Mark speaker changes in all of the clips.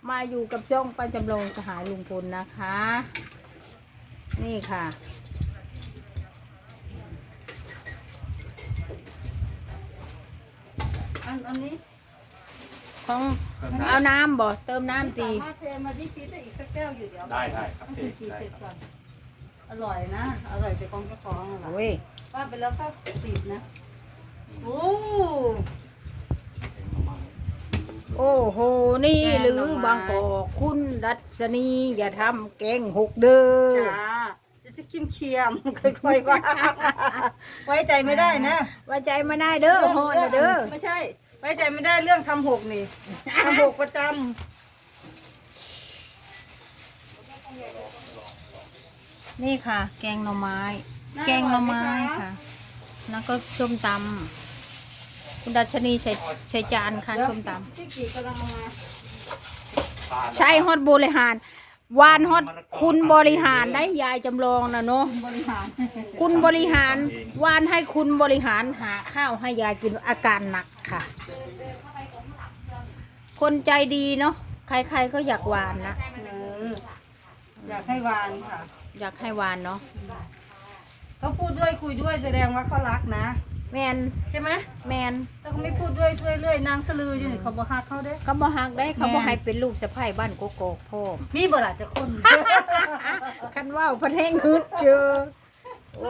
Speaker 1: มาอยู่กับช่องป้าจำลองสหายลุงพลนะคะ นี่ค่ะ
Speaker 2: อันนี้
Speaker 1: ของเอาน้ำบ่เติมน้ำตี
Speaker 2: สามารถเทมาที่ฟีดได้อีกสักแก้วอยู่เดี๋ยว
Speaker 3: ได้ครับ
Speaker 2: ต้อง
Speaker 3: เท
Speaker 2: กิน
Speaker 3: ได้
Speaker 2: เสร็จ
Speaker 3: ค
Speaker 2: ก่
Speaker 3: รั
Speaker 2: อบ นอร่อยนะอร่อยแต่ของเจ้าของอะล่ะ
Speaker 1: โอ้ย
Speaker 2: ว่าไปแล้วก็ติดนะโอ้
Speaker 1: โอ้โหนี่หรือบางกอกคุณดัชนีอย่าทำแกงหกเด้อ
Speaker 2: จ้าจะเคียมค่อยๆว่าไว้ใจไม่ได้นะ
Speaker 1: ไว้ใจไม่ได้เด้อฮอนนะเด้อ
Speaker 2: ไม่ใช่ไว้ใจไม่ได้เรื่องทำหกนี่ทำหกประจ
Speaker 1: นี่ค่ะ แกงหน่อไม้
Speaker 2: ำ
Speaker 1: แกงหน่อไม้ค่ะแล้วก็ส้มตำคุณดัชนีใส่จานค่ะส้มตำ
Speaker 2: ที่กี่กำลังเอามา
Speaker 1: ใช่ฮอตบริหารวานฮอตคุณบริหารได้ยายจำลองนะเนาะ
Speaker 2: บริหาร
Speaker 1: คุณบริหารวานให้คุณบริหารหาข้าวให้ยายกินอาการหนักค่ะ คนใจดีเนาะใครๆก็อยากวานนะ
Speaker 2: อยากให้วานค่ะ
Speaker 1: อยากให้วานเนาะ
Speaker 2: เขาพูดด้วยคุยด้วยแสดงว่าเขารักนะ
Speaker 1: แมน
Speaker 2: ใช่ไหม
Speaker 1: แมน
Speaker 2: ถ้าเขาไม่พูดด้วยเรื่อยๆนางสลืออยู่นี่เขาบอกฮักเขาเด้
Speaker 1: เขาบ่ฮักได้เขาบ่
Speaker 2: แม่น
Speaker 1: ให้เป็นลูกสะใภ้บ้านโกโก้พ่อม
Speaker 2: มีบ่ล่ะจะคน
Speaker 1: คันว่าวพันแห้งฮึดเจอโอ้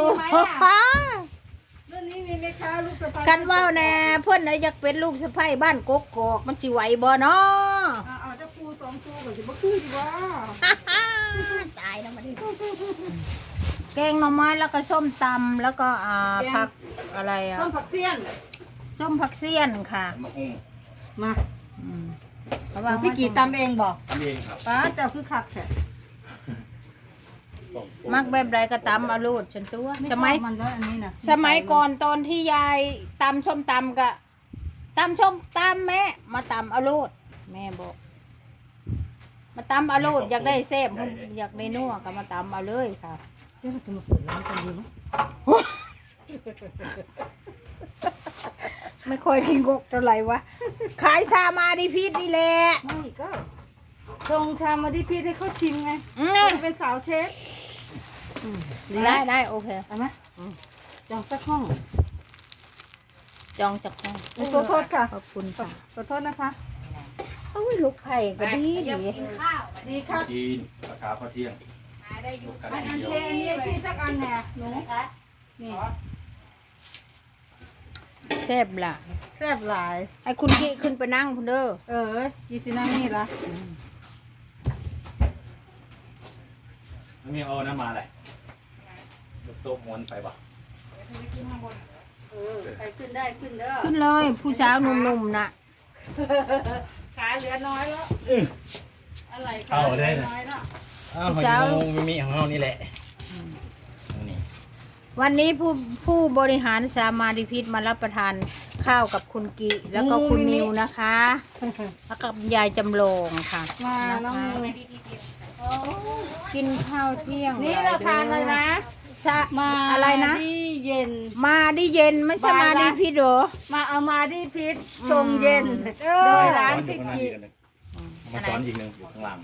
Speaker 2: เรื่องนี้มีไหมคะลูกสะใภ้
Speaker 1: คันว่าวแน่เพิ่นน่ะอยากเป็นลูกสะใภ้บ้านโกโก้มันสิไหวบ่เนาะ
Speaker 2: เอาเจ้าปูสองตัวก่อนสิบ่คือสิว่า
Speaker 1: ตายแล้วมาดิแกงหน่อไม้แล้วก็ส้มตำแล้วก็ผักอะไรอ่ะ
Speaker 2: ต้นผักเสี้ยน
Speaker 1: ส้มผักเสี้ยนค่ะ
Speaker 3: มะฮุ่ง
Speaker 2: มา
Speaker 1: อืมระวัง
Speaker 2: พี่กี่ตำเองบอก
Speaker 3: ทำเองครับ
Speaker 2: ป้าเจ้าคือคักแท้
Speaker 1: มักแบบใดก็ตำเอาลูดฉันตัว
Speaker 2: ไม่ช
Speaker 1: ส
Speaker 2: อบ
Speaker 1: มัย
Speaker 2: มันแล้วอันนี้นะ
Speaker 1: สมัยก่อนตอนที่ยายตำส้มตำก็ตำส้มตำแม่มาตำเอาลูดแม่บอก มาตำเอาลูดอยากได้แซ่บอยากได้นัวก็มาตำเอาเลยค่ะ
Speaker 2: เดี๋ยวเราจะมาเปิดร้านกันดีไหม
Speaker 1: ไม่ค่อยกินกกเท่าไหร่วะขายชามาดิพีทนี่แหละ
Speaker 2: ไม่ก็ชงชามาที่พี่ให้เขาชิมไง
Speaker 1: อืม
Speaker 2: จะเป็นสาวเชฟ
Speaker 1: ได้โอเค
Speaker 2: เอาไหมจองสักห้อง
Speaker 1: จองจากห้อง
Speaker 2: ขอโทษค่ะ
Speaker 1: ขอบคุณค่ะ
Speaker 2: ขอโทษนะคะ
Speaker 1: โอ้ยลูกไผ่ก็ดีดี
Speaker 2: ดีค่ะ
Speaker 3: จีนราคาข้าวเที่ยง
Speaker 2: อันนี้พี่สักอันแหน่หนูนี่
Speaker 1: แซ่บล่ะ
Speaker 2: แซ่บหลาย
Speaker 1: ให้คุณกี้ขึ้นไปนั่งคุณเด้อ
Speaker 2: ยีสินั่งนี่ละ
Speaker 3: นี่เอาน้ำมาอะไรโต๊ะม้วนไปป่ะ
Speaker 2: ไปขึ้นได้ขึ้นเด้อ
Speaker 1: ขึ้นเลย ผู้สาวหนุ่มๆน่ะ
Speaker 2: ขาเหลือน้อยแล้วอะไรขา
Speaker 3: เอา
Speaker 2: เหลื
Speaker 3: ได้
Speaker 2: อ
Speaker 3: นะ
Speaker 2: น้อยแล้ว
Speaker 3: อ้าวหอยนางรมมีของเรานี่แหละนี่
Speaker 1: วันนี้ผู้บริหารสามาดิพิษมารับประทานข้าวกับคุณกิแล้วก็คุณนิวนะคะ แล้วกับยายจำลองค่ะ
Speaker 2: มาน้อง
Speaker 1: นะคะ
Speaker 2: นิว
Speaker 1: กินข้าวเที่ยง
Speaker 2: นี่เราทานเลยนะ
Speaker 1: ชะ
Speaker 2: มา
Speaker 1: อะไรนะ
Speaker 2: ที่เย็น
Speaker 1: มาดิเย็นไม่ใช่มาดิพิษเหรอ
Speaker 2: มาเอามาที่พิษทรงเย็น โดยร้านพิกิ
Speaker 3: มาซ้อนอีกหนึ่งอยู่ข้างล่าง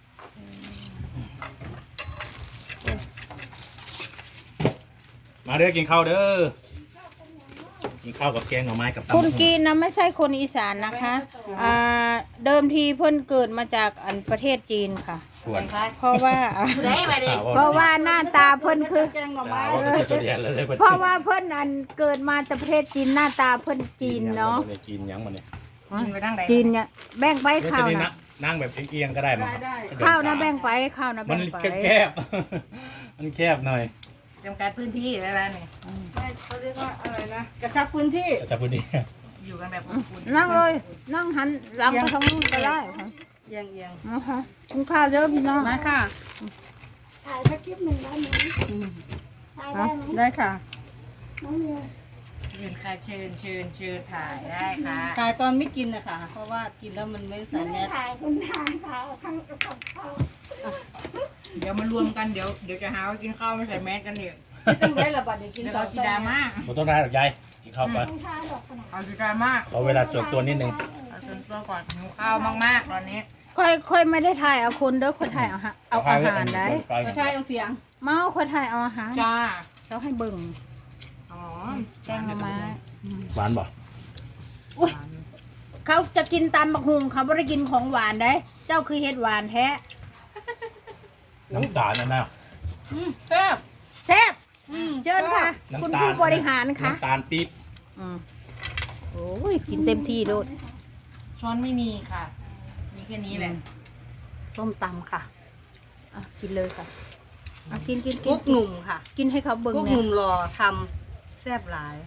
Speaker 3: มาเด้อกินข้าวเด้อกินข้าวกับแกงหน่อไม้กับตำ
Speaker 1: คุณกีนะไม่ใช่คนอีสานนะคะเดิมทีเพิ่นเกิดมาจากประเทศจีนค่ะ
Speaker 3: ควร
Speaker 1: เพราะว่า เพราะว่าหน้าตาเพิ่นคือ
Speaker 2: แกงหน่อไม้
Speaker 3: ตัวเดียวเลย
Speaker 1: เพราะว่าเพิ่นเกิดมาจากประเทศจีนหน้าตาเพิ่นจีนเนาะ
Speaker 3: จีนยังมันเนี่ย
Speaker 1: จีนเนี่ยแบ่งไปข้าวนะ
Speaker 3: นั่งแบบเอียงๆก็ได้มั้ง
Speaker 2: ได้
Speaker 1: ข้าวนะแบ่งไปข้าวนะ
Speaker 3: มั
Speaker 1: แบ่
Speaker 3: น
Speaker 1: งไป
Speaker 3: แคบๆมันแคบหน่อย
Speaker 4: จำกัดพื้นที่อะไรเนี่ย
Speaker 2: ได้เขาเรียกว่าอะไรนะกระชับพื้นที่
Speaker 3: จะพูดดี
Speaker 4: อยู่กันแบบอบอุ่น
Speaker 1: นั่งเลยนั่งหันหลังไปทางนู้นก็ได้ค่ะ
Speaker 2: เอียงเอียง
Speaker 1: นะคะกินข้าวเยอะพี่น้อง
Speaker 2: มาค่ะ
Speaker 5: ถ่ายสักคลิปหนึ่งได้ไหมถ่ายได้ไหม
Speaker 2: ได้ค่ะ
Speaker 5: น้องมิว
Speaker 4: เชิญค่ะเชิญถ่ายได้ค่ะ
Speaker 2: ถ่ายตอนไม่กินนะคะเพราะว่ากินแล้วมันไม่ใส่
Speaker 5: ไม่
Speaker 2: แม
Speaker 5: ได้
Speaker 2: ส
Speaker 5: ถ่ายคุณทางถ่ายทั้งกับเขา
Speaker 4: เดี๋ยวมารวมกันเดี๋ยวจะหาว่ากินข้าวไม่ใส่แมสกันเดี๋ยว
Speaker 2: ไม่ต้องได้ระบาดเดี๋ยวกิน
Speaker 4: เดี๋ยว
Speaker 2: ก่อ
Speaker 4: เรา
Speaker 2: น
Speaker 4: สีดราม่า
Speaker 3: ๆผมต้องได้หรอกยายกินข้าวไป
Speaker 5: ต้องถ่ายหรอกขนาด
Speaker 4: เอาสีดราม่า
Speaker 3: ขอเวลาส่วนตัวนิดนึง
Speaker 4: เอาส่วนตัวก่อนหิวข้าวมากๆตอนนี้
Speaker 1: ค่อยไม่ได้ถ่ายเอาคนเด้อค่อยถ่ายเอาอาหารได้
Speaker 2: ไม่ใช่เอาเสียง
Speaker 1: เมาค่อยถ่ายเอาอาหาร
Speaker 4: จ้า
Speaker 1: เจ้าให้เบิ่ง
Speaker 4: อ๋อ
Speaker 1: แกงหน่อไม้
Speaker 3: หวานบ่
Speaker 1: อุ้ยเขาจะกินตำบักหุ่งเขาไม่ได้กินของหวานได้ เจ้าคือเฮ็ดหวานแท้
Speaker 3: น้ำตาลนั่นนะ
Speaker 2: แซ่บ
Speaker 1: แซ่บ
Speaker 2: อืม
Speaker 1: เชิญค่ะ คุณ
Speaker 3: น้ำตาล
Speaker 1: ผู้บริหารค่ะ
Speaker 3: น้ำตาลปี๊บ
Speaker 1: อืมโอ้ยกินเต็มที่โลด
Speaker 4: ช้อนไม่มีค่ะ มีแค่นี้แหละ
Speaker 1: ส้มตำค่ะอ่ะกินเลยค่ะอ่ะกิน
Speaker 2: กุ๊กหนุ่มค่ะ
Speaker 1: กินให้เขาเบิ่ง
Speaker 2: กุ๊กห
Speaker 1: เนี่ย
Speaker 2: นุ่มรอทำแซ่บหลาย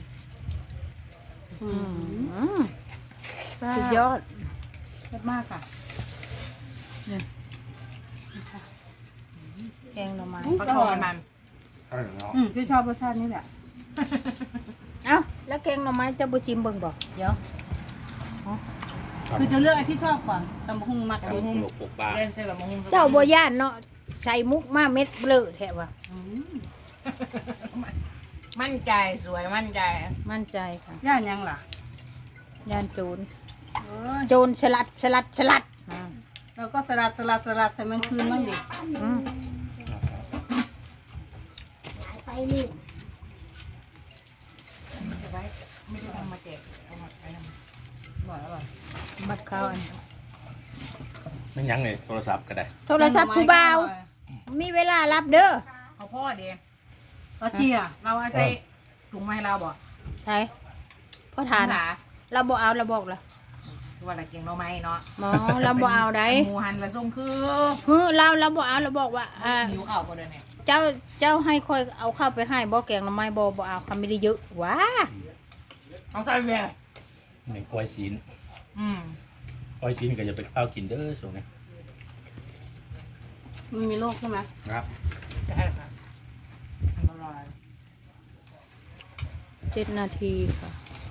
Speaker 1: อืมสุดยอด
Speaker 2: แซ่บมากค่ะ
Speaker 1: แกงหน่อไม้
Speaker 4: ฟักทองมัน
Speaker 3: ใช่แล้ว
Speaker 2: พี่ชอบรสชาตินี้แหละ
Speaker 1: เอ้าแล้วแกงหน่อไม้เจ้าบุชิมเบิ่งบอก
Speaker 2: เดี๋ยว คือจะเลือกไอ้ที่ชอบก่อนตำบักหุ่งมัก
Speaker 3: ป
Speaker 2: ดี
Speaker 3: ลูกปลา
Speaker 4: เล่นเส้นละมง
Speaker 1: เจ้าบัวย่านเนาะใส่มุกมาเม็ดเบลอแทบว่ะ
Speaker 2: อืม
Speaker 4: มั่นใจสวยมั่นใจ
Speaker 1: มั่นใจค่ะ
Speaker 2: ย่านยังล่ะ
Speaker 1: ย่านโจร
Speaker 2: เอ้ย
Speaker 1: โจรฉลัดอ่า
Speaker 2: เราก็สลัดใส่มันคืนบ้างดิ
Speaker 1: อืม
Speaker 5: ไปนี่
Speaker 4: ไว้ไม่ได้ทำมาแจกเอามาไปทำ
Speaker 2: อร่อย
Speaker 1: บัดข้าวอัน
Speaker 3: ไม่ยั้งเลยโทรศัพท์ก็ได้
Speaker 1: โทรศัพท์ผู้บ่าว มีเวลารับเด้อ
Speaker 4: เอาพ่อเดีย
Speaker 2: ก็เชียร์
Speaker 4: เราเอาใส่ถุงมาให้เราบอก
Speaker 1: ใช่พ่อทาน
Speaker 4: หา
Speaker 1: เราบ่เอาเราบอกละ
Speaker 4: คือว่าอะไรเก่งเราไหมเนาะ
Speaker 1: หมอเราบ่เอาได้
Speaker 4: หมูหันละส้มคือ
Speaker 1: เราบ่เอาเราบอกว่า
Speaker 4: หิวข้าวก็เดินเนี่ย
Speaker 1: เจ้าให้ค่อยเอาเข้าไปให้บ่แกงหน่อไม้บ่เอาเขาไม่ได้เยอะว้า
Speaker 4: เอาใจเลย
Speaker 3: ในกล้วยซีน
Speaker 4: อืม
Speaker 3: กล้วยซีนก็จะไปข้าวกินเด้อส่วนนี้
Speaker 2: มันมีโรคใช่ไหม
Speaker 3: ครับ
Speaker 4: ใช่ค่ะอร่อย
Speaker 1: 7 นาทีค่ะ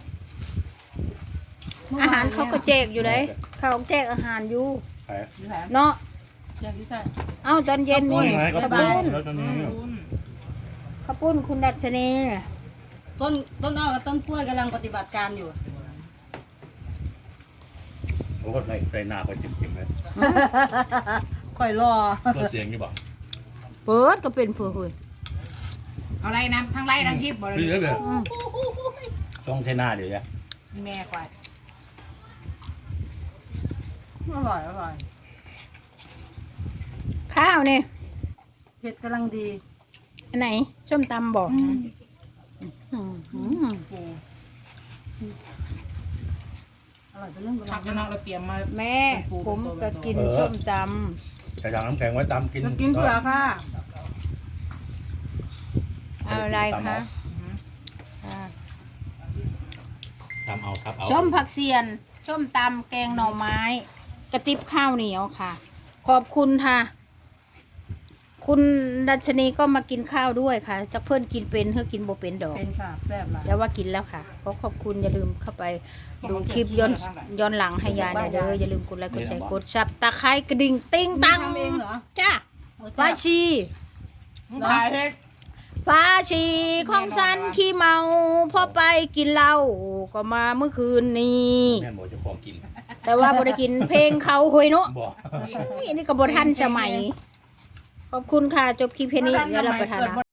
Speaker 1: อาหารเขาก็แจกอยู่เลยเขาแจกอาหารอยู่
Speaker 3: ใช่
Speaker 4: นี่แหละ
Speaker 1: เนาะ
Speaker 2: อย่างที่ใช่
Speaker 1: เอ้าตอนเย็นนี่
Speaker 3: ไงก็
Speaker 1: ข้าว
Speaker 3: ปุ้
Speaker 1: ปุ้
Speaker 3: น
Speaker 1: น
Speaker 3: แล้วตอนนี้
Speaker 1: ข้าวปุ้นคุณดัชนี
Speaker 2: ต้นอ้อกับต้นกล้วยกำลังปฏิบัติการอยู่
Speaker 3: โอ้โหไรหน้าก็จิ้มเลย
Speaker 2: ค่อยรอ
Speaker 3: รถเสียงนี่บอก
Speaker 1: เปิดก็เป็นเพื่อเฮ้ย
Speaker 4: เอาไรนะทั้งไรทั้งคลิปบอกเล
Speaker 3: พี่เด้
Speaker 4: ย
Speaker 3: อเด้อ
Speaker 1: อืม
Speaker 3: ช่องใช้หน้าเดี๋ยวจะ
Speaker 4: แม่กว่า
Speaker 2: อร่อย
Speaker 1: ข้าวนี่
Speaker 2: เผ็ดกำลังดี
Speaker 1: อันไหนส้มตำบอก
Speaker 2: อร่อยเป็นเรื่อง
Speaker 4: ผักกระเนาะเราเตรียมมา
Speaker 1: แม่ผมก็กินส้มต
Speaker 3: ใช้ถังน้ำแข็งไว้ตามกิน
Speaker 2: จะกินเผื่อค่ะ
Speaker 1: ำเอาอะไรคะอ่า
Speaker 3: ตามเอาซับเอา
Speaker 1: ส้มผักเสียนส้มตำแกงหน่อไม้ กระติบข้าวเหนียวค่ะ ขอบคุณค่ะ คุณดัชนีก็มากินข้าวด้วยค่ะจะเพื่อนกินเป็นเพื่อกินโบเป็นดอก
Speaker 2: เป็นค่ะแซ่บหลาย
Speaker 1: แต่ว่ากินแล้วค่ะก็ขอบคุณอย่าลืมเข้าไปดูคลิปย้อนหลังให้ยายหน่อยเด้ออย่าลืมกดไลค์กดแชร์กดซับตะไคร้กระดิ่งติ้งตัง
Speaker 2: ทำเองเหรอ
Speaker 1: จ้า
Speaker 2: โอ้
Speaker 1: ฟ้า
Speaker 2: แซ่บ
Speaker 1: ชี
Speaker 4: ถ่ายเฮ็ด
Speaker 1: ฟ้าชีของสันขี้เมาพอไปกินเหล้าก็มาเมื่อคืนนี้
Speaker 3: แม่บอกจะขอกิน
Speaker 1: แต่ว่าบ่ได้กินเพลงเขาหวยเนาะ
Speaker 3: บอก
Speaker 1: นี่ก็บ่ทันสมัย ขอบคุณค่ะจบคลิปเพลงนี้แล้วเราไปทานนะ